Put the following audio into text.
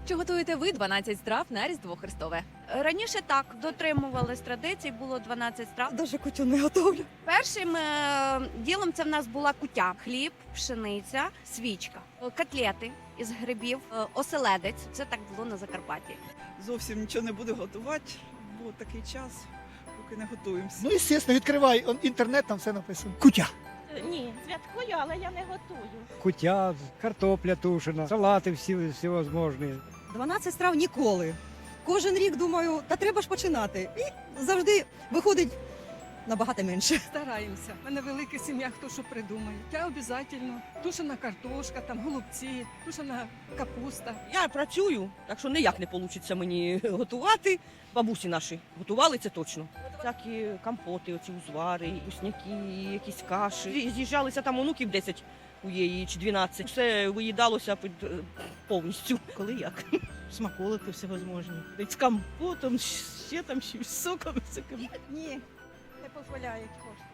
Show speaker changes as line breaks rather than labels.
Чи готуєте ви 12 страв на Різдво Христове?
Раніше так, дотримувались традицій, було 12 страв.
Даже кутю не готовлю.
Першим ділом це в нас була кутя. Хліб, пшениця, свічка, котлети із грибів, оселедець. Це так було на Закарпатті.
Зовсім нічого не буду готувати, бо такий час, поки не готуємося.
Ну, звісно, відкривай інтернет, там все написано. Кутя.
Ні, святкую, але я не готую.
Кутя, картопля тушена, салати всевозможні.
12 страв ніколи. Кожен рік думаю, та треба ж починати. І завжди виходить набагато менше.
Стараємося. У мене велика сім'я, хто що придумає. Я обов'язково тушена картошка, там голубці, тушена капуста.
Я працюю, так що ніяк не вийде мені готувати. Бабусі наші готували це точно. Всякі компоти, оці узвари, вкусняки, якісь каші. З'їжджалися там онуків 10 у її чи 12. Все виїдалося повністю. Коли як.
Смаколики всевозможні. З компотом, ще там, ще з соком.
Ні, не дозволяють кошти.